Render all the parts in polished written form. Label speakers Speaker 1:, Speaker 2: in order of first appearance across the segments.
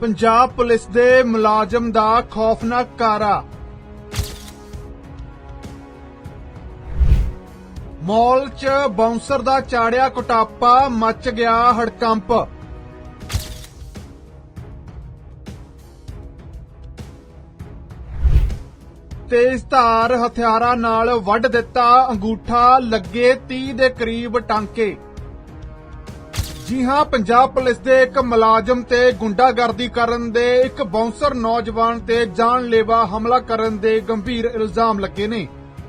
Speaker 1: Punjab police दे मुलाजम दा खौफनाक कारा। मॉल च बाउंसर दा चाड़िया कुटापा, मच गया हड़कंप। तेज धार हथियारां नाल वढ दिता अंगूठा, लगे 30 दे करीब टांके। जी हां, पंजाब पुलिस दे एक मुलाजम ते गुंडागर्दी करन दे एक बाउंसर नौजवान ते जानलेवा हमला करन दे गंभीर इल्जाम लगे ने।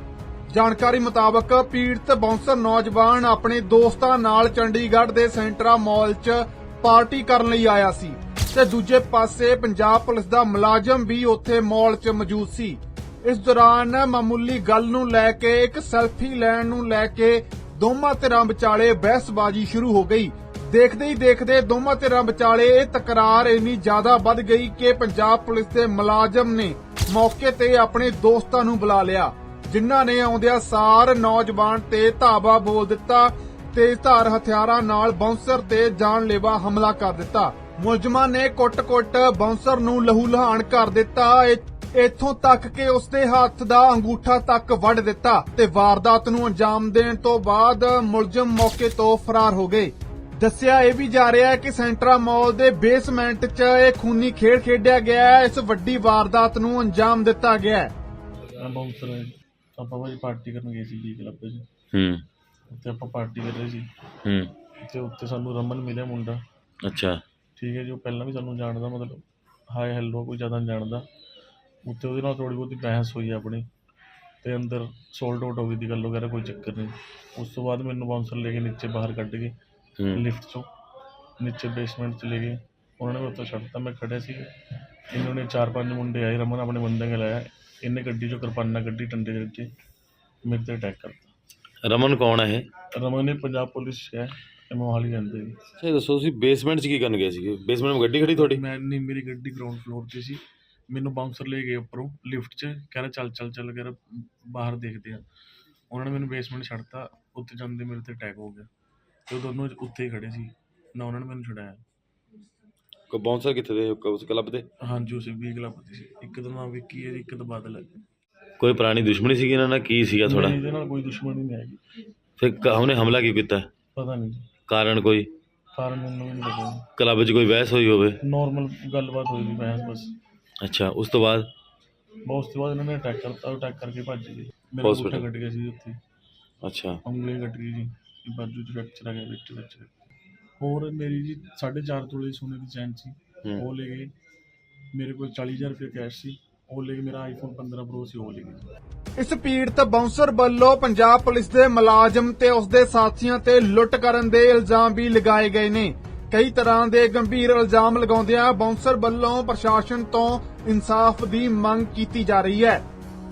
Speaker 1: जानकारी मुताबक पीड़ित बाउंसर नौजवान अपने दोस्तां नाल चंडीगढ़ दे सेंट्रा मॉल च पार्टी करन लई आया सी ते दूजे पासे पंजाब पुलिस दा मुलाजम भी उत्थे मॉल च मौजूद सी। इस दौरान मामूली गल नूं लै के एक सैल्फी लैण नूं लै के दोवां धिरां विचाले बहसबाजी शुरू हो गई। देखते ही देखते दोवां धिरां विचाले ये तकरार इन्नी ज्यादा बढ़ गई कि पंजाब पुलिस के मुलाजम ने मौके ते अपने दोस्तां नूं बुला लिया, जिन्हां ने आउंदिया सार नौजवान ते धावा बोल दिता। तेज धार हथियारां नाल बाउंसर ते जानलेवा हमला कर दिता। मुलजमां ने कुट-कुट बाउंसर नूं लहू लहान कर दिता, इत्थों तक कि उसके हत्थ दा अंगूठा तक वढ दिता ते वारदात नूं अंजाम देण तों बाद मुलजम मौके तो फरार हो गए। दस्सिया यह भी जा रहा है कि सेंट्रा मॉल के बेसमेंट च एक खूनी खेड खेडिया गया है। इस वड्डी वारदात नूं अंजाम दिता गया है।
Speaker 2: बाउंसर ਆਪਾਂ ਭਾਜੀ ਪਾਰਟੀ ਕਰਨ ਗਏ ਸੀ ਜੀ ਕਲੱਬ 'ਚ। ਉੱਥੇ ਆਪਾਂ ਪਾਰਟੀ ਕਰ ਰਹੇ ਸੀ ਤੇ ਉੱਥੇ ਸਾਨੂੰ ਰਮਨ ਮਿਲਿਆ ਮੁੰਡਾ। ਅੱਛਾ ਠੀਕ ਹੈ ਜੀ, ਉਹ ਪਹਿਲਾਂ ਵੀ ਸਾਨੂੰ ਜਾਣਦਾ, ਮਤਲਬ ਹਾਏ ਹੈਲੋ ਕੋਈ ਜ਼ਿਆਦਾ ਨਹੀਂ ਜਾਣਦਾ। ਉੱਥੇ ਉਹਦੇ ਨਾਲ ਥੋੜ੍ਹੀ ਬਹੁਤੀ ਬਹਿਸ ਹੋਈ ਆਪਣੀ ਤੇ ਅੰਦਰ ਸੋਲਡ ਆਊਟ ਹੋ ਗਈ ਦੀ ਗੱਲ ਵਗੈਰਾ, ਕੋਈ ਚੱਕਰ ਨਹੀਂ। ਉਸ ਤੋਂ ਬਾਅਦ ਮੈਨੂੰ ਬਾਊਂਸਰ ਲੈ ਕੇ ਨੀਚੇ ਬਾਹਰ ਕੱਢ ਕੇ ਲਿਫਟ 'ਚੋਂ ਨੀਚੇ ਬੇਸਮੈਂਟ 'ਚ ਲੈ ਗਏ। ਉਹਨਾਂ ਨੇ ਉੱਥੇ ਛੱਡਤਾ, ਮੈਂ ਖੜਿਆ ਸੀ। ਇਹਨਾਂ ਨੇ 4-5 ਮੁੰਡੇ ਆਏ, ਰਮਨ ਆਪਣੇ ਬੰਦੇ ਨੇ ਲਾਇਆ, ਇਹਨੇ ਗੱਡੀ 'ਚੋਂ ਕਿਰਪਾਨਾਂ ਕੱਢੀ, ਡੰਡੇ ਦੇ ਵਿੱਚ ਮੇਰੇ 'ਤੇ ਅਟੈਕ ਕਰਤਾ।
Speaker 3: ਰਮਨ ਕੌਣ ਹੈ ਇਹ?
Speaker 2: ਰਮਨ ਨੇ ਪੰਜਾਬ ਪੁਲਿਸ 'ਚ ਹੈ, ਮੋਹਾਲੀ ਰਹਿੰਦੇ ਜੀ।
Speaker 3: ਇਹ ਦੱਸੋ ਤੁਸੀਂ ਬੇਸਮੈਂਟ 'ਚ ਕੀ ਕਰਨ ਗਏ ਸੀਗੇ? ਬੇਸਮੈਂਟ ਵਿੱਚ ਗੱਡੀ ਖੜੀ ਤੁਹਾਡੀ?
Speaker 2: ਮੈਂ ਨਹੀਂ, ਮੇਰੀ ਗੱਡੀ ਗਰਾਊਂਡ ਫਲੋਰ 'ਤੇ ਸੀ। ਮੈਨੂੰ ਬਾਊਂਸਰ ਲੈ ਗਏ ਉੱਪਰੋਂ ਲਿਫਟ 'ਚ, ਕਹਿ ਰਿਹਾ ਚੱਲ ਕਰ ਬਾਹਰ ਦੇਖਦੇ ਆ। ਉਹਨਾਂ ਨੇ ਮੈਨੂੰ ਬੇਸਮੈਂਟ ਛੱਡਤਾ, ਉੱਥੇ ਜਾਂਦੇ ਮੇਰੇ 'ਤੇ ਅਟੈਕ ਹੋ ਗਿਆ ਤੇ ਉਹ ਦੋਨੋਂ ਉੱਥੇ ਹੀ ਖੜੇ ਸੀ ਨਾ, ਉਹਨਾਂ ਨੇ ਮੈਨੂੰ ਛੁਡਾਇਆ।
Speaker 3: ਕੋਈ ਬਾਉਂਸਰ ਕਿੱਥੇ ਦੇ ਉਸ ਕਲੱਬ ਦੇ?
Speaker 2: ਹਾਂਜੀ, ਉਸ ਵੀ ਕਲੱਬ ਦੇ ਸੀ। ਇੱਕ ਦਾ ਨਾਮ ਵਿੱਕੀ ਹੈ ਜੀ, ਇੱਕ ਦਾ ਬਾਦਲ ਹੈ।
Speaker 3: ਕੋਈ ਪੁਰਾਣੀ ਦੁਸ਼ਮਣੀ ਸੀਗੀ ਇਹਨਾਂ ਨਾਲ? ਕੀ ਸੀਗਾ ਥੋੜਾ?
Speaker 2: ਇਹਦੇ ਨਾਲ ਕੋਈ ਦੁਸ਼ਮਣੀ ਨਹੀਂ ਹੈਗੀ।
Speaker 3: ਫਿਰ ਉਹਨੇ ਹਮਲਾ ਕਿਉਂ ਕੀਤਾ?
Speaker 2: ਪਤਾ ਨਹੀਂ ਜੀ,
Speaker 3: ਕਾਰਨ ਕੋਈ?
Speaker 2: ਕਾਰਨ ਮੈਨੂੰ ਵੀ ਨਹੀਂ ਪਤਾ।
Speaker 3: ਕਲੱਬ 'ਚ ਕੋਈ ਬਹਿਸ ਹੋਈ ਹੋਵੇ?
Speaker 2: ਨੋਰਮਲ ਗੱਲਬਾਤ ਹੋਈ ਸੀ, ਬਹਿਸ ਬਸ।
Speaker 3: ਅੱਛਾ, ਉਸ ਤੋਂ ਬਾਅਦ?
Speaker 2: ਉਸ ਤੋਂ ਬਾਅਦ ਇਹਨਾਂ ਨੇ ਅਟੈਕ ਕਰਤਾ, ਅਟੈਕ ਕਰਕੇ ਭੱਜ ਗਏ। ਮੇਰਾ ਅੰਗੂਠਾ ਕੱਟ ਗਿਆ ਸੀ ਉੱਥੇ। ਅੱਛਾ, ਉਂਗਲੀ ਕੱਟ ਗਈ ਜੀ, ਬਾਜੂ 'ਚ ਫ੍ਰੈਕਚਰ ਆ ਗਿਆ, ਵਿੱਚ। ਹੋਰ ਮੇਰੀ ਜੀ 4.5 ਤੋਲੇ ਸੋਨੇ ਦੀ ਚੈਨ ਸੀ, ਉਹ ਲੈ ਗਏ। ਮੇਰੇ ਕੋਲ 40,000 ਰੁਪਏ ਕੈਸ਼ ਸੀ, ਉਹ ਲੈ ਕੇ ਮੇਰਾ ਆਈਫੋਨ 15 ਪ੍ਰੋ ਸੀ, ਉਹ ਲੈ ਗਏ।
Speaker 1: इस पीड़ित बाउंसर ਵੱਲੋਂ पंजाब पुलिस के मुलाजम ते उसके साथियों ते लुट करन दे इल्जाम भी लगाए गए ने। कई तरह के गंभीर इल्जाम लगाउंदियां बाउंसर ਵੱਲੋਂ प्रशासन तो इंसाफ की मंग की जा रही है।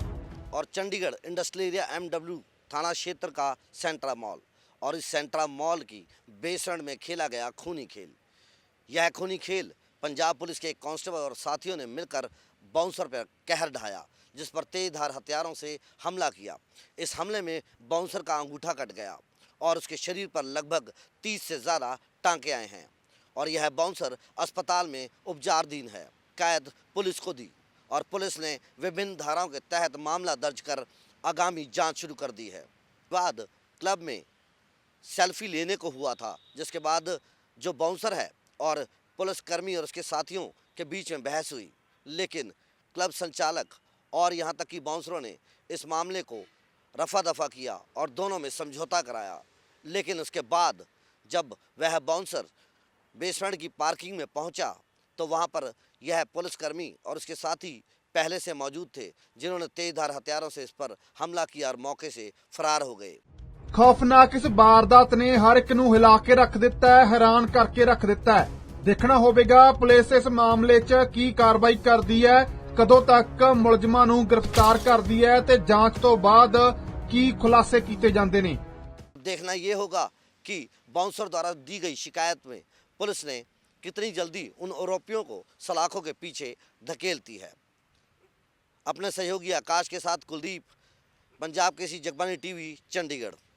Speaker 4: और चंडीगढ़ इंडस्ट्रियल एरिया MW थाना क्षेत्र का सेंट्रा मॉल, और इस सेंट्रा मॉल की बेसमेंट में खेला गया खूनी खेल। यह खूनी खेल पंजाब पुलिस के एक कांस्टेबल और साथियों ने मिलकर बाउंसर पर कहर ढाया, जिस पर तेजधार हथियारों से हमला किया। इस हमले में बाउंसर का अंगूठा कट गया और उसके शरीर पर लगभग 30 से ज़्यादा टांके आए हैं, और यह बाउंसर अस्पताल में उपचाराधीन है। कैद पुलिस को दी और पुलिस ने विभिन्न धाराओं के तहत मामला दर्ज कर आगामी जांच शुरू कर दी है। बाद क्लब में सेल्फी लेने को हुआ था, जिसके बाद जो बाउंसर है और पुलिसकर्मी और उसके साथियों के बीच में बहस हुई, लेकिन क्लब संचालक और यहाँ तक कि बाउंसरों ने इस मामले को रफा दफा किया और दोनों में समझौता कराया। लेकिन उसके बाद जब वह बाउंसर बेसमेंट की पार्किंग में पहुँचा तो वहाँ पर यह पुलिसकर्मी और उसके साथी पहले से मौजूद थे, जिन्होंने तेजधार हथियारों से इस पर हमला किया और मौके से फरार हो गए।
Speaker 1: खौफनाक इस वारदात ने हर एक नूं हिला के रख दिता है, हैरान करके रख दिता है। देखना होवेगा पुलिस इस मामले च की कार्रवाई करदी है, कदों तक मुलजमां नूं गिरफ्तार करदी है ते जांच तो बाद की खुलासे कीते जांदे ने।
Speaker 4: देखना ये होगा कि बाउंसर द्वारा दी गई शिकायत में पुलिस ने कितनी जल्दी उन आरोपियों को सलाखों के पीछे धकेलती है। अपने सहयोगी आकाश के साथ कुलदीप, पंजाब केसरी जगबानी टीवी, चंडीगढ़।